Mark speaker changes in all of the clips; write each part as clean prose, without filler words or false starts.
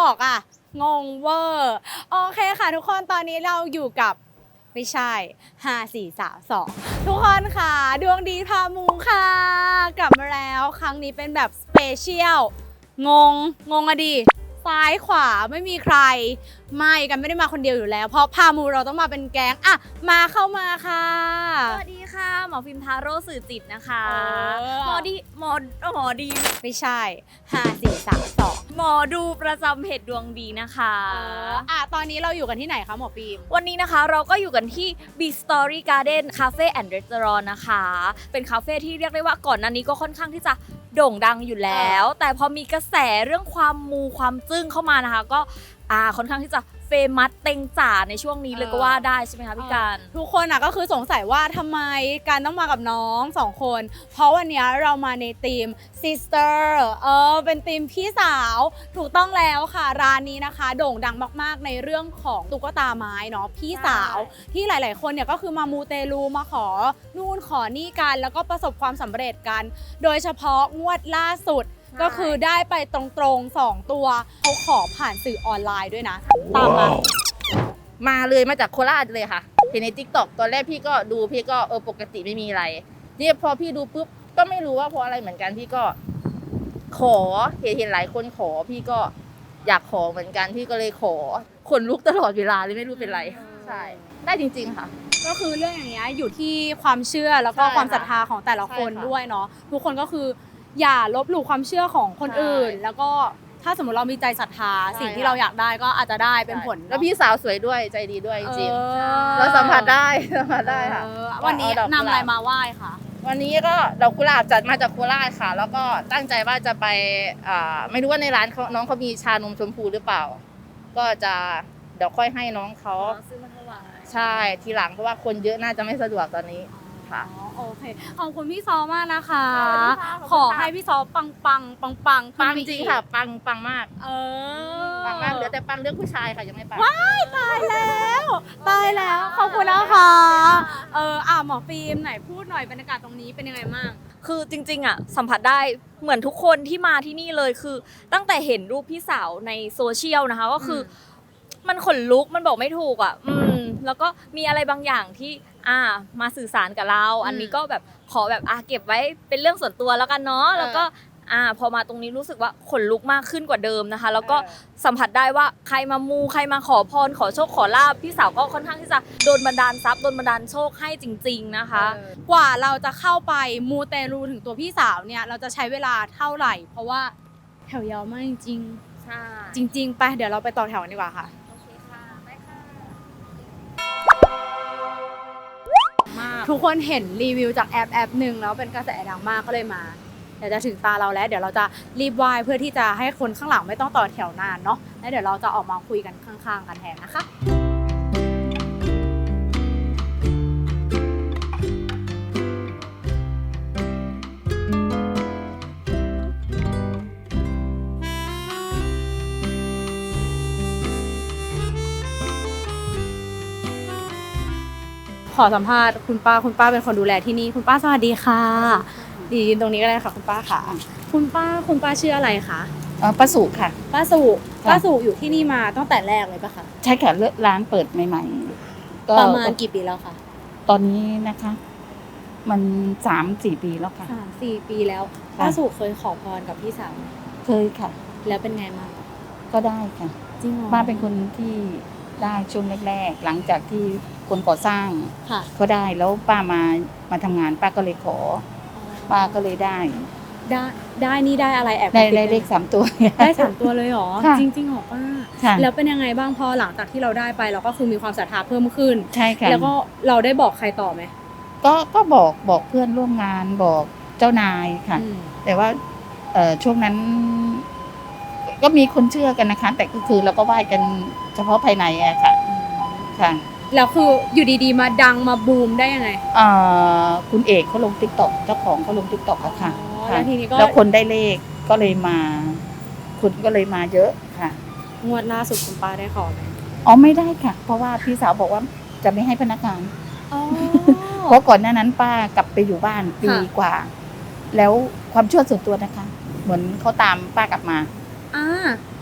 Speaker 1: บอกอ่ะงงเวอร์โอเคค่ะทุกคนตอนนี้เราอยู่กับไม่ใช่5 4 3 2ทุกคนค่ะดวงดีพามูค่ะกลับมาแล้วครั้งนี้เป็นแบบสเปเชียลงงอะดิซ้ายขวาไม่มีใครไม่กันไม่ได้มาคนเดียวอยู่แล้วเพราะพามูเราต้องมาเป็นแก๊งอ่ะมาเข้ามาค่ะ
Speaker 2: สวัสดีค่ะหมอฟิล์มทาโร่สื่อจิตนะคะหมอดี
Speaker 1: ไม่ใช่5 4 3 2
Speaker 2: หมอดูประจำเพจดวงดีนะคะ
Speaker 1: ตอนนี้เราอยู่กันที่ไหนคะหมอฟิล์ม
Speaker 2: วันนี้นะคะเราก็อยู่กันที่ Big Story Garden Cafe and Restaurant นะคะเป็นคาเฟ่ที่เรียกได้ว่าก่อนหน้านี้ก็ค่อนข้างที่จะโด่งดังอยู่แล้วแต่พอมีกระแสเรื่องความมูความจึ้งเข้ามานะคะก็ค่อนข้างที่จะเฟมัสเต็งจ๋าในช่วงนี้เลยก็ว่าได้ใช่ไหมคะพี่การ
Speaker 1: ทุกคนก็คือสงสัยว่าทำไมการต้องมากับน้อง2 คนเพราะวันนี้เรามาในทีม sister เป็นทีมพี่สาวถูกต้องแล้วค่ะร้านนี้นะคะโด่งดังมากๆในเรื่องของตุ๊กตาไม้เนาะพี่สาวที่หลายๆคนเนี่ยก็คือมามูเตลูมาขอนู่นขอนี่กันแล้วก็ประสบความสำเร็จกันโดยเฉพาะงวดล่าสุดก็คือได้ไปตรงๆ2 ตัวเขาขอผ่านสื่อออนไลน์ด้วยนะตาม
Speaker 3: มาเลยมาจากโคราชเลยค่ะเห็นใน TikTok ตอนแรกพี่ก็ดูพี่ก็ปกติไม่มีอะไรนี่พอพี่ดูปุ๊บก็ไม่รู้ว่าเพราะอะไรเหมือนกันพี่ก็ขอเห็นหลายคนขอพี่ก็อยากขอเหมือนกันพี่ก็เลยขอขนลุกตลอดเวลาเลยไม่รู้เป็นไรใช่ได้จริงๆค่ะ
Speaker 1: ก็คือเรื่องอย่างเงี้ยอยู่ที่ความเชื่อแล้วก็ความศรัทธาของแต่ละคนด้วยเนาะทุกคนก็คืออย่าลบหลู่ความเชื่อของคนอื่นแล้วก็ถ้าสมมติเรามีใจศรัทธาสิ่งที่เราอยากได้ก็อาจจะได้เป็นผล
Speaker 3: แล้วพี่สาวสวยด้วยใจดีด้วยจริงๆเราสัมผัสได้ค่ะ
Speaker 1: วันนี้นำอะไรมาไหว้ค่ะ
Speaker 3: วันนี้ก็ดอกกุหลาบจัดมาจากโคราชค่ะแล้วก็ตั้งใจว่าจะไปไม่รู้ว่าในร้านน้องเขามีชานมชมพูหรือเปล่าก็จะเดี๋ยวค่อยให้น้องเขา
Speaker 2: ซื้อมาถวาย
Speaker 3: ใช่ทีหลังเพราะว่าคนเยอะน่าจะไม่สะดวกตอนนี้ค่ะ
Speaker 1: โอเคขอบคุณพี่ซอมากนะคะขอให้พี่ซอปัง
Speaker 3: จริงค่ะปังมากปังมากเหลือแต่ปังเรื่องผู้ชายค่ะยังไม่ปัง
Speaker 1: ว้ายตายแล้วขอบคุณนะคะหมอฟิล์มไหนพูดหน่อยบรรยากาศตรงนี้เป็นยังไงบ้าง
Speaker 2: คือจริงๆสัมผัสได้เหมือนทุกคนที่มาที่นี่เลยคือตั้งแต่เห็นรูปพี่สาวในโซเชียลนะคะก็คือมันขนลุกมันบอกไม่ถูกแล้วก็มีอะไรบางอย่างที่มาสื่อสารกับเราอันนี้ก็แบบขอแบบเก็บไว้เป็นเรื่องส่วนตัวแล้วกันเนาะแล้วก็พอมาตรงนี้รู้สึกว่าขนลุกมากขึ้นกว่าเดิมนะคะแล้วก็สัมผัสได้ว่าใครมามูใครมาขอพรขอโชคขอลาภพี่สาวก็ค่อนข้างที่จะโดนบันดาลทรัพย์โดนบันดาลโชคให้จริงๆนะคะ
Speaker 1: กว่าเราจะเข้าไปมูเตลูถึงตัวพี่สาวเนี่ยเราจะใช้เวลาเท่าไหร่เพราะว่าแถวยาวมากจริง
Speaker 2: ๆใช่
Speaker 1: จริงๆไปเดี๋ยวเราไปต่อแถวกันดีกว่าค่ะทุกคนเห็นรีวิวจากแอปหนึ่งแล้วเป็นกระแสดังมากก็เลยมาเดี๋ยวจะถึงตาเราแล้วเดี๋ยวเราจะรีบไหว้เพื่อที่จะให้คนข้างหลังไม่ต้องต่อแถวนานเนาะแล้วเดี๋ยวเราจะออกมาคุยกันข้างๆกันแทนนะคะขอสัมภาษณ์คุณป้าเป็นคนดูแลที่นี่คุณป้าสวัสดีค่ะยืนตรงนี้ก็ได้ค่ะคุณป้าค่ะคุณป้าชื่ออะไรคะ
Speaker 3: ป้าสุค่ะ
Speaker 1: ป้าสุอยู่ที่นี่มาตั้งแต่แรกเลยปะคะ
Speaker 3: ใช่ค่ะร้านเปิดใหม่ๆ
Speaker 1: ก็ประมาณกี่ปีแล้วคะ
Speaker 3: ตอนนี้นะคะมัน3-4 ปีแล้วค่ะ
Speaker 1: 3-4 ปีแล้วป้าสุเคยขอพรกับพี่สาว
Speaker 3: เคยค่ะ
Speaker 1: แล้วเป็นไงบ้าง
Speaker 3: ก็ได้ค่ะ
Speaker 1: จริงเหรอ
Speaker 3: ป้าเป็นคนที่ได้ช่วงแรกๆหลังจากที่คนก่อสร้างก็ได้แล้วป้ามาทำงานป้าก็เลยขอป้าก็เลยได้
Speaker 1: นี่ได้อะไร
Speaker 3: ได้เลข3 ตัว
Speaker 1: ได้3 ตัวเลยเหรอจริงๆหรอป้าแล้วเป็นยังไงบ้างพอหลังจากที่เราได้ไปเราก็คือมีความศรัทธาเพิ่มขึ้น
Speaker 3: ใช่ค่ะ
Speaker 1: แล้วก็เราได้บอกใครต่อไหม
Speaker 3: ก็บอกเพื่อนร่วมงานบอกเจ้านายค่ะแต่ว่าช่วงนั้นก็มีคนเชื่อกันนะคะแต่ก็คือเราก็ไหว้กันเฉพาะภายในอะค่ะ
Speaker 1: แล้วคืออยู่ดีๆมาดังมาบูมได้ยังไง
Speaker 3: คุณเอกเขาลง TikTok เจ้าของเขาลง TikTok อะค่ะ
Speaker 1: แล้วทีนี้ก็
Speaker 3: แล้วคนได้เลขก็เลยมาคุณก็เลยมาเยอะค่ะ
Speaker 1: งวดล่าสุดคุณป้าได้ขอไหม
Speaker 3: ไม่ได้ค่ะเพราะว่าพี่สาวบอกว่าจะไม่ให้พนักงานเพราะก่อนหน้านั้นป้ากลับไปอยู่บ้านปีกว่าแล้วความเชื่อส่วนตัวนะคะเหมือนเขาตามป้ากลับมา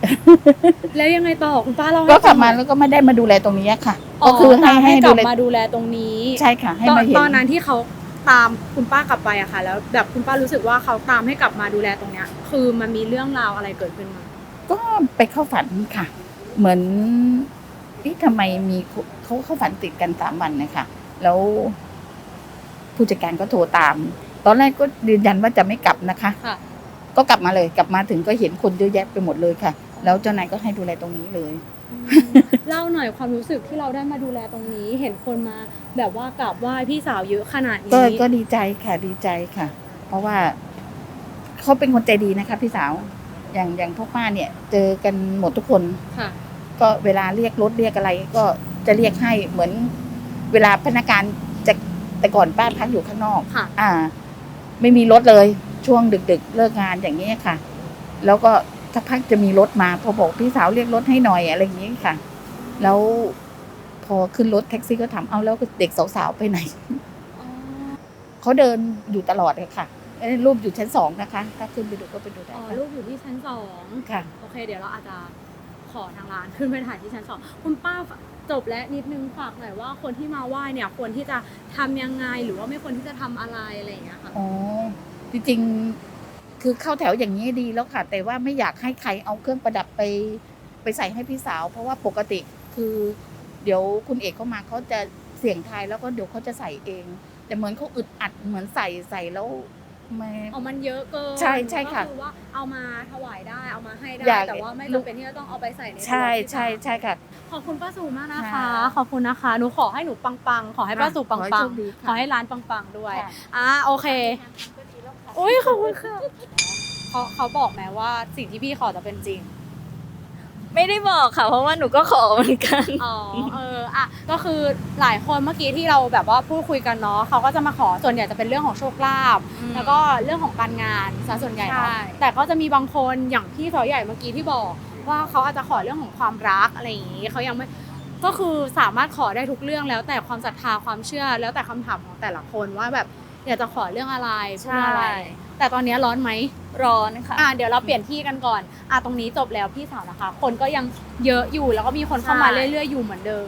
Speaker 1: แล้วยังไงต่อคุณป้าเล่าให้
Speaker 4: ก็กลับ
Speaker 1: ฟังห
Speaker 4: มา
Speaker 1: น่อย
Speaker 4: แล้วก็ไม่ได้มาดูแลตรงนี้ค่ะ
Speaker 1: อ๋อ
Speaker 4: ก็คือให้
Speaker 1: ให้ก
Speaker 4: ดู
Speaker 1: ลับ
Speaker 4: แล
Speaker 1: มาดูแลตรงนี้
Speaker 4: ใช่ค่ะ ให้มาเห็น
Speaker 1: ตอนนั้นที่เขาตามคุณป้ากลับไปอะค่ะ แล้วแบบคุณป้ารู้สึกว่าเขาตามให้กลับมาดูแลตรงเนี้ย คือมันมีเรื่องราวอะไรเกิดขึ้นมา
Speaker 4: ก็ไปเข้าฝันค่ะ เหมือนที่ทำไมมีเขาเข้าฝันติดกัน3 วันนะคะแล้วผู้จัดการก็โทรตาม ตอนแรกก็ยืนยันว่าจะไม่กลับนะคะ
Speaker 1: ค่ะ
Speaker 4: ก็กลับมาเลยกลับมาถึงก็เห็นคนเยอะแยะไปหมดเลยค่ะ แล้วเจ้านายก็ให้ดูแลตรงนี้เลย
Speaker 1: เล่าหน่อยความรู้สึกที่เราได้มาดูแลตรงนี้ เห็นคนมาแบบว่ากราบไหว้พี่สาวเยอะขนาดนี้
Speaker 4: ก็ดีใจค่ะดีใจค่ะ เพราะว่าเขาเป็นคนใจดีนะคะพี่สาวอย่างพวกป้าเนี่ย เจอกันหมดทุกคน
Speaker 1: ค่ะ
Speaker 4: ก็เวลาเรียกรถเรียกอะไรก็จะเรียกให้เหมือนเวลาพนักงานจะแต่ก่อนป้าพักอยู่ข้างนอก
Speaker 1: ค่ะ
Speaker 4: ไม่มีรถเลยช่วงดึกๆเลิกงานอย่างนี้ยค่ะ แล้วก็สักพักจะมีรถมาพอบอกพี่สาวเรียกรถให้หน่อยอะไรอย่างนี้ค่ะ แล้วพอขึ้นรถแท็กซี่ก็ถามเอาแล้วเด็กสาวๆไปไหน เขาเดินอยู่ตลอดเลยค่ะรูปอยู่ชั้น2นะคะ ถ้าขึ้นไปดูก็ไปดูได้
Speaker 1: อ๋อ
Speaker 4: ค่ะ
Speaker 1: ลูกอยู่ที่ชั้น
Speaker 4: ค่ะ
Speaker 1: 2โอเค เดี๋ยวเราอาจจะขอทางร้านขึ้นไปถ่ายที่ชั้น 2คุณป้าจบและนิดนึงฝากหน่อยว่าคนที่มาไหว้เนี่ยควรที่จะทำยังไงหรือว่าไม่ควรที่จะทำอะไรอะไรอย่างเงี้ยค่ะ
Speaker 4: อ๋อจริงๆคือเข้าแถวอย่างนี้ดีแล้วค่ะ แต่ว่าไม่อยากให้ใครเอาเครื่องประดับไปใส่ให้พี่สาว เพราะว่าปกติคือ เดี๋ยวคุณเอกเขามาเขาจะเสี่ยงทายแล้วก็เดี๋ยวเขาจะใส่เอง แต่เหมือนเขาอึดอัดเหมือนใส่แล้วไม่
Speaker 1: เอามันเยอะเกิน
Speaker 4: ใช่ใช่ค่ะ
Speaker 1: ก็คือว่าเอามาถวายได้เอามาให้ได้
Speaker 4: อยาก
Speaker 1: แต่ว่าไม่จำเป็นที่จะต้องเอาไปใส่ในตัว
Speaker 4: ใช่
Speaker 1: ที่
Speaker 4: ใช่
Speaker 1: ร้าน
Speaker 4: ใช่ค่ะ
Speaker 1: ขอบคุณป้าสูมากนะคะ
Speaker 4: ค่ะ
Speaker 1: ขอบคุณนะคะหนูขอให้หนูปังๆขอให้ป้าสูปั
Speaker 4: ขอให้
Speaker 1: ง
Speaker 4: โชคดี
Speaker 1: ๆ
Speaker 4: ค่ะ
Speaker 1: ขอให้ร้านปังๆด้วย
Speaker 4: ค่ะ
Speaker 1: โอเคอุ้ยขอบคุณค่ะเขาบอกไหมว่าสิ่งที่พี่ขอจะเป็นจริง
Speaker 2: ไม่ได้บอกค่ะ เพราะว่าหนูก็ขอเหมือนกัน
Speaker 1: อ๋อก็คือหลายคนเมื่อกี้ที่เราแบบว่าพูดคุยกันเนาะเขาก็จะมาขอส่วนใหญ่จะเป็นเรื่องของโชคลาภ
Speaker 2: อืม
Speaker 1: แล้วก็เรื่องของการงานซะส่วนใหญ่เนาะ
Speaker 2: ใช่
Speaker 1: แต่ก็จะมีบางคนอย่างพี่สาวใหญ่เมื่อกี้ที่บอกว่าเขาอาจจะขอเรื่องของความรักอะไรอย่างนี้เขายังไม่ก็คือสามารถขอได้ทุกเรื่องแล้วแต่ความศรัทธาความเชื่อ แล้วแต่คำถามของแต่ละคนว่าแบบอยากจะขอเรื่องอะไรเพื่ออะไร แต่ตอนนี้ร้อนไหม
Speaker 2: ร้อนค่ะ
Speaker 1: เดี๋ยวเราเปลี่ยนที่กันก่อน ตรงนี้จบแล้วพี่สาวนะคะ คนก็ยังเยอะอยู่แล้วก็มีคนเข้ามา
Speaker 2: ใช่
Speaker 1: เรื่อยๆอยู่เหมือนเดิม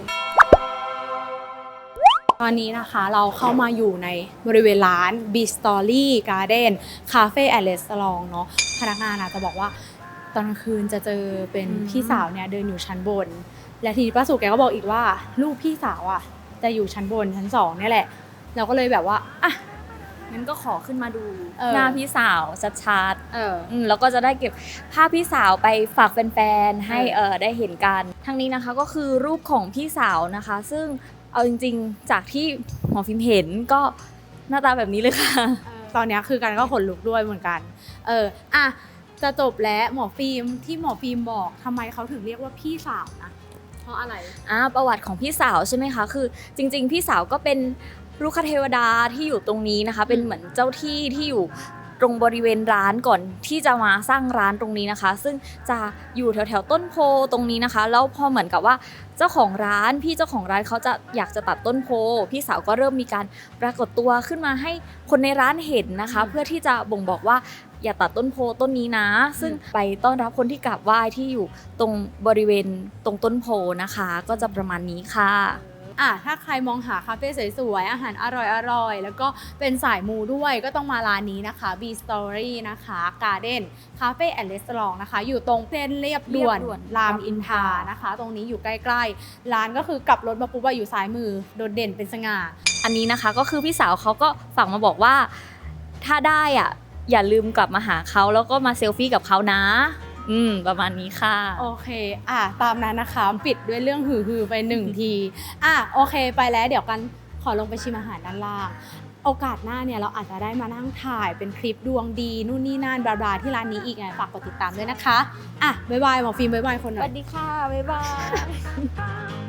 Speaker 1: ตอนนี้นะคะเราเข้ามาอยู่ในบริเวณร้าน B Story Garden Cafe and Restaurant เนาะพนักงานอาจจะบอกว่าตอนกลางคืนจะเจอเป็นพี่สาวเนี่ยเดินอยู่ชั้นบน และทีนี้ป้าสุแกก็บอกอีกว่าลูกพี่สาวอ่ะจะอยู่ชั้นบนชั้น2เนี่ยแหละ เราก็เลยแบบว่า
Speaker 2: งั้นก็ขอขึ้นมาดู
Speaker 1: เออ
Speaker 2: หน้าพี่สาวชัด
Speaker 1: เออ
Speaker 2: ๆแล้วก็จะได้เก็บภาพพี่สาวไปฝากแฟนๆให้ได้เห็นกันทั้งนี้นะคะก็คือรูปของพี่สาวนะคะ ซึ่งเอาจริงๆจากที่หมอฟิล์มเห็นก็หน้าตาแบบนี้เลยค่ะ
Speaker 1: ตอนนี้คือกันก็ขนลุกด้วยเหมือนกัน จะจบแล้วหมอฟิล์มที่หมอฟิล์มบอกทำไมเขาถึงเรียกว่าพี่สาวนะ เพราะอะไร
Speaker 2: ประวัติของพี่สาวใช่ไหมคะคือจริงๆพี่สาวก็เป็นลูกคเทวดาที่อยู่ตรงนี้นะคะ เป็นเหมือนเจ้าที่ที่อยู่ตรงบริเวณร้านก่อนที่จะมาสร้างร้านตรงนี้นะคะ ซึ่งจะอยู่แถวๆต้นโพตรงนี้นะคะแล้วพอเหมือนกับว่าเจ้าของร้านพี่เจ้าของร้านเขาจะอยากจะตัดต้นโพพี่สาวก็เริ่มมีการปรากฏตัวขึ้นมาให้คนในร้านเห็นนะคะ เพื่อที่จะบ่งบอกว่าอย่าตัดต้นโพต้นนี้นะ ซึ่งไปต้อนรับคนที่กราบไหว้ที่อยู่ตรงบริเวณตรงต้นโพนะคะ ก็จะประมาณนี้ค่ะ
Speaker 1: ถ้าใครมองหาคาเฟ่สวยๆอาหารอร่อยๆแล้วก็เป็นสายมูด้วยก็ต้องมาร้านนี้นะคะ B Story นะคะ Garden Cafe and Restaurant นะคะ อยู่ตรงเส้นเรียบด่วน
Speaker 2: เรียบด่วน
Speaker 1: รามอินทรานะคะ ตรงนี้อยู่ใกล้ๆร้านก็คือกลับรถมาปุ๊บอยู่ซ้ายมือโดดเด่นเป็นสง่า
Speaker 2: อันนี้นะคะก็คือพี่สาวเขาก็ฝากมาบอกว่าถ้าได้อย่าลืมกลับมาหาเขาแล้วก็มาเซลฟี่กับเขานะประมาณนี้ค่ะ
Speaker 1: โอเคตามนั้นนะคะปิดด้วยเรื่องหือๆไป1 ทีโอเคไปแล้วเดี๋ยวกันขอลงไปชิมอาหารด้านล่างโอกาสหน้าเนี่ยเราอาจจะได้มานั่งถ่ายเป็นคลิปดวงดีนู่นนี่นั่นบลาๆที่ร้านนี้อีกไงฝากกดติดตามด้วยนะคะบ๊ายบายหมอฟิล์มบ๊ายบายคนห
Speaker 2: ส
Speaker 1: น่อ
Speaker 2: วั
Speaker 1: ย
Speaker 2: สดีค่ะ บ๊ายบาย